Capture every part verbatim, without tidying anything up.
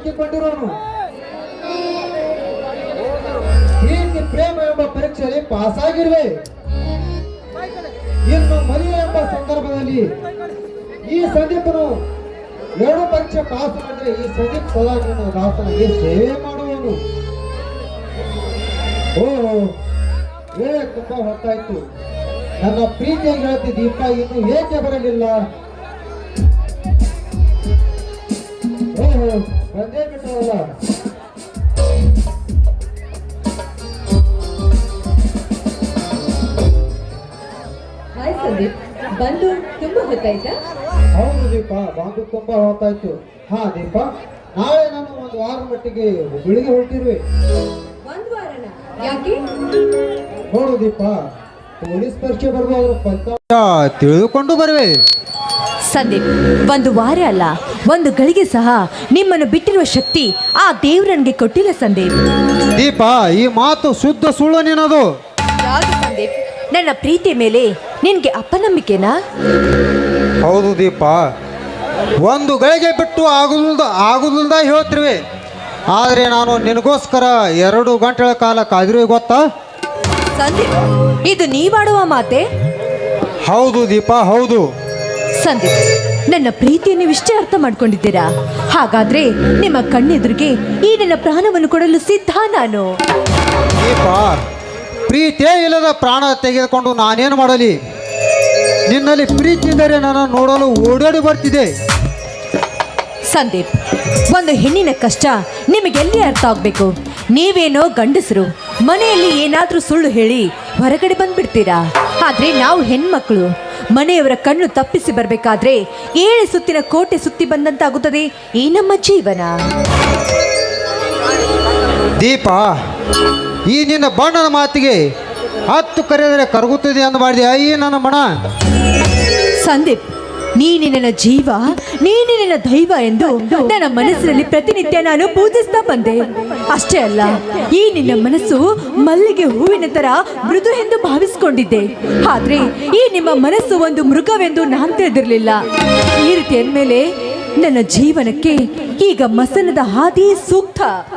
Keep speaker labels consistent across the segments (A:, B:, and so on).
A: ಸಿಕ್ಕಿಕೊಂಡಿರೋನು. ಪ್ರೀತಿ ಪ್ರೇಮ ಎಂಬ ಪರೀಕ್ಷೆಯಲ್ಲಿ ಪಾಸ್ ಆಗಿರುವೆ. ಇನ್ನು ಮದುವೆ ಎಂಬ ಸಂದರ್ಭದಲ್ಲಿ ಈ ಸಂದೀಪನು ಎರಡು ಪರೀಕ್ಷೆ ಪಾಸ್ ಮಾಡಿದ್ರೆ ಈ ಸಂದೀಪ್ ಸದಾ ನಿನ್ನ ದಾಸನಿಗೆ ಸೇವೆ ಮಾಡುವನು. ಓ ವೇಳೆ ತುಂಬಾ ಹೊತ್ತಾಯ್ತು. ನನ್ನ ಪ್ರೀತಿಯ ಗೆಳತಿ ದೀಪ ಇನ್ನು ಏಕೆ ಬರಲಿಲ್ಲ? ಓಹೋ ಬಂದೇ ಬಿಟ್ಟವಲ್ಲ.
B: ಹಾಯ್ ಸಂದೀಪ್, ಬಂದು ತುಂಬಾ ಹೊತ್ತಾಯ್ತಾ?
A: ಹೌದು ದೀಪ, ಬಂದು ತುಂಬಾ ಹೊತ್ತಾಯ್ತು. ಹಾ ದೀಪ, ನಾಳೆ ನಾನು ಒಂದು ವಾರ ಮಟ್ಟಿಗೆ ಹುಬ್ಬಳ್ಳಿಗೆ ಹೊರಟಿರುವೆ.
B: ಒಂದ್ ವಾರನ? ಯಾಕೆ?
A: ನೋಡು ದೀಪ, ಪೊಲೀಸ್ ಪರೀಕ್ಷೆ ಬರ್ಬೋದು, ಫಲಿತಾಂಶ ತಿಳಿದುಕೊಂಡು ಬರುವೆ.
B: ಸಂದೀಪ್, ಒಂದು ವಾರ ಅಲ್ಲ, ಒಂದು ಗಳಿಗೆ ಸಹ ನಿಮ್ಮನ್ನು ಬಿಟ್ಟಿರುವ ಶಕ್ತಿ ಆ ದೇವ್ರು ನನಗೆ ಕೊಟ್ಟಿಲ್ಲ ಸಂದೀಪ್.
A: ದೀಪ, ಈ ಮಾತು ಶುದ್ಧ ಸುಳ್ಳು ನಿನ್ನದು.
B: ಯಾವುದು ಸಂದೀಪ್? ನನ್ನ ಪ್ರೀತಿ ಮೇಲೆ ನಿನ್ಗೆ ಅಪನಂಬಿಕೆನಾ?
A: ಹೌದು ದೀಪ, ಒಂದು ಗಳಿಗೆ ಬಿಟ್ಟು ಆಗುದಿಲ್ಲ ಆಗುದಿಲ್ಲ ಹೇಳ್ತಿರುವೆ. ಆದರೆ ನಾನು ನಿನಗೋಸ್ಕರ ಎರಡು ಗಂಟೆಗಳ ಕಾಲ ಕಾದಿರುವೆ ಗೊತ್ತಾ?
B: ಸಂದೀಪ್, ಇದು ನೀವಾಡುವ ಮಾತೆ?
A: ಹೌದು ದೀಪ, ಹೌದು.
B: ಸಂದೀಪ್, ನನ್ನ ಪ್ರೀತಿಯನ್ನು ಇಷ್ಟೇ ಅರ್ಥ ಮಾಡ್ಕೊಂಡಿದ್ದೀರಾ? ಹಾಗಾದ್ರೆ ನಿಮ್ಮ ಕಣ್ಣೆದುರಿಗೆ ಈ ನನ್ನ ಪ್ರಾಣವನ್ನು ಕೊಡಲು ಸಿದ್ಧ ನಾನು.
A: ದೀಪ, ಪ್ರೀತಿಯೇ ಇಲ್ಲದ ಪ್ರಾಣ ತೆಗೆದುಕೊಂಡು ನಾನೇನು ಮಾಡಲಿ? ನಿನ್ನಲ್ಲಿ ಪ್ರೀತಿ ಇದ್ದರೆ ನನ್ನ ನೋಡಲು ಓಡಾಡಿ ಬರ್ತಿದೆ.
B: ಸಂದೀಪ್, ಒಂದು ಹೆಣ್ಣಿನ ಕಷ್ಟ ನಿಮಗೆಲ್ಲಿ ಅರ್ಥ ಆಗಬೇಕು? ನೀವೇನೋ ಗಂಡಸರು ಮನೆಯಲ್ಲಿ ಏನಾದರೂ ಸುಳ್ಳು ಹೇಳಿ ಹೊರಗಡೆ ಬಂದ್ಬಿಡ್ತೀರಾ. ಆದರೆ ನಾವು ಹೆಣ್ಮಕ್ಳು ಮನೆಯವರ ಕಣ್ಣು ತಪ್ಪಿಸಿ ಬರಬೇಕಾದ್ರೆ ಏಳು ಸುತ್ತಿನ ಕೋಟೆ ಸುತ್ತಿ ಬಂದಂತಾಗುತ್ತದೆ ಈ ನಮ್ಮ ಜೀವನ.
A: ದೀಪ, ಈ ನಿನ್ನ ಬಣ್ಣದ ಮಾತಿಗೆ ಹತ್ತು ಕರೆದರೆ ಕರಗುತ್ತದೆ ಎಂದು ಮಾಡಿದೆ ಈ ನನ್ನ ಮನ.
B: ಸಂದೀಪ್, ನೀನೆ ನನ್ನ ಜೀವ, ನೀನೆ ನನ್ನ ದೈವ ಎಂದು ನನ್ನ ಮನಸ್ಸಿನಲ್ಲಿ ಪ್ರತಿನಿತ್ಯ ನಾನು ಪೂಜಿಸ್ತಾ ಬಂದೆ. ಅಷ್ಟೇ ಅಲ್ಲ, ಈ ನಿನ್ನ ಮನಸ್ಸು ಮಲ್ಲಿಗೆ ಹೂವಿನ ತರ ಮೃದು ಎಂದು ಭಾವಿಸಿಕೊಂಡಿದ್ದೆ. ಆದ್ರೆ ಈ ನಿಮ್ಮ ಮನಸ್ಸು ಒಂದು ಮೃಗವೆಂದು ನಾನು ತಿಳಿದಿರಲಿಲ್ಲ. ಈ ರೀತಿ ಅಂದಮೇಲೆ ನನ್ನ ಜೀವನಕ್ಕೆ ಈಗ ಮಸನದ ಹಾದಿ ಸೂಕ್ತ.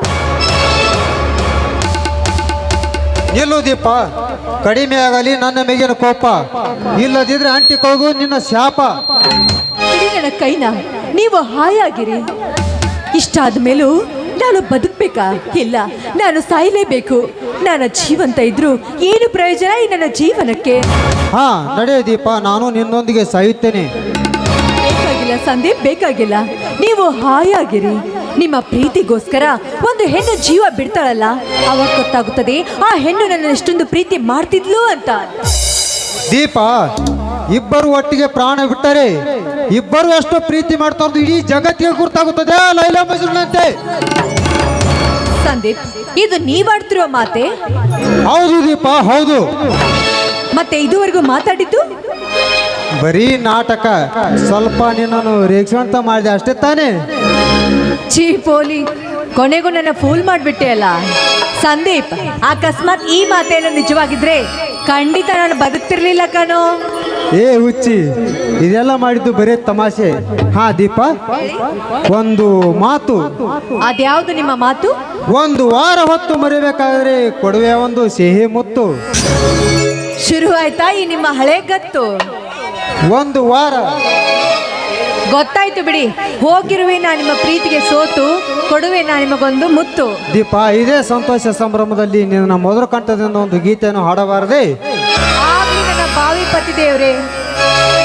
A: ನಿಲ್ಲು ದೀಪ, ಕಡಿಮೆ ಆಗಲಿ ನನ್ನ ಮೇಗಿನ ಕೋಪ, ಇಲ್ಲದಿದ್ರೆ ಅಂಟಿಕೊಳ್ಳೋದು ನಿನ್ನ ಶಾಪ.
B: ಬಿಡಿ ನನ್ನ ಕೈನ, ನೀವು ಹಾಯಾಗಿರಿ. ಇಷ್ಟಾದ ಮೇಲೂ ನಾನು ಬದುಕಬೇಕಾ? ಇಲ್ಲ, ನಾನು ಸಾಯಲೇಬೇಕು. ನಾನು ಜೀವಂತ ಇದ್ರು ಏನು ಪ್ರಯೋಜನ ಈ ನನ್ನ ಜೀವನಕ್ಕೆ?
A: ಹಾ ನಡೆ ದೀಪ, ನಾನು ನಿನ್ನೊಂದಿಗೆ ಸಾಯುತ್ತೇನೆ.
B: ಬೇಕಾಗಿಲ್ಲ ಸಂದೀಪ್, ಬೇಕಾಗಿಲ್ಲ. ನೀವು ಹಾಯಾಗಿರಿ. ನಿಮ್ಮ ಪ್ರೀತಿಗೋಸ್ಕರ ಒಂದು ಹೆಣ್ಣು ಜೀವ ಬಿಡ್ತಾಳಲ್ಲ, ಅವಾಗ ಗೊತ್ತಾಗುತ್ತದೆ ಆ ಹೆಣ್ಣು ನನ್ನ ಎಷ್ಟೊಂದು ಪ್ರೀತಿ ಮಾಡ್ತಿದ್ಲು ಅಂತ.
A: ದೀಪ, ಇಬ್ಬರು ಒಟ್ಟಿಗೆ ಪ್ರಾಣ ಬಿಟ್ಟರೆ ಇಬ್ಬರು ಎಷ್ಟು ಪ್ರೀತಿ ಮಾಡ್ತಾ ಇರೋದು ಇಡೀ ಜಗತ್ತಿಗೆ ಗುರ್ತಾಗುತ್ತದೆ ಲೈಲಾ ಮಜ್ನುನಂತೆ.
B: ಸಂದೀಪ್, ಇದು ನೀವಾಡ್ತಿರೋ ಮಾತೆ?
A: ಹೌದು ದೀಪ, ಹೌದು.
B: ಮತ್ತೆ ಇದುವರೆಗೂ ಮಾತಾಡಿದ್ದು
A: ಬರೀ ನಾಟಕ. ಸ್ವಲ್ಪ ನಿನ್ನನ್ನು ರೇಕ್ಷಣೆ ಮಾಡಿದೆ ಅಷ್ಟೇ ತಾನೇ?
B: ಚೀ ಪೋಲಿ, ಕೊನೆಗೂ ನನ್ನ ಫೂಲ್ ಮಾಡಿಬಿಟ್ಟೆ ಅಲ್ಲ. ಸಂದೀಪ್, ಅಕಸ್ಮಾತ್ ಈ ಮಾತೇನು ನಿಜವಾಗಿದ್ರೆ ಖಂಡಿತ ನಾನು ಬದುಕ್ತಿರ್ಲಿಲ್ಲ ಕಣೋ.
A: ಏ ಹುಚ್ಚಿ, ಇದೆಲ್ಲ ಮಾಡಿದ್ದು ಬರೀ ತಮಾಷೆ. ಹಾ ದೀಪ, ಒಂದು ಮಾತು.
B: ಅದ್ಯಾವುದು ನಿಮ್ಮ ಮಾತು?
A: ಒಂದು ವಾರ ಹೊತ್ತು ಮರಿಬೇಕಾದ್ರೆ ಕೊಡುವೆ ಒಂದು ಸಿಹಿ ಮುತ್ತು.
B: ಶುರು ಆಯ್ತಾ ಈ ನಿಮ್ಮ ಹಳೆ ಗತ್ತು?
A: ಒಂದು ವಾರ.
B: ಗೊತ್ತಾಯ್ತು ಬಿಡಿ, ಹೋಗಿರುವೆ ನಾ ನಿಮ್ಮ ಪ್ರೀತಿಗೆ ಸೋತು, ಕೊಡುವೆ ನಾ ನಿಮಗೊಂದು ಮುತ್ತು.
A: ದೀಪ, ಇದೇ ಸಂತೋಷ ಸಂಭ್ರಮದಲ್ಲಿ ನಿನ್ನ ಮೊದಲ ಕಂಠದಿಂದ ಒಂದು ಗೀತೆಯನ್ನು ಹಾಡಬಾರದೆ?
B: ಆಗ್ಲಿ ನನ್ನ ಬಾವಿ ಪತಿ ದೇವ್ರೆ.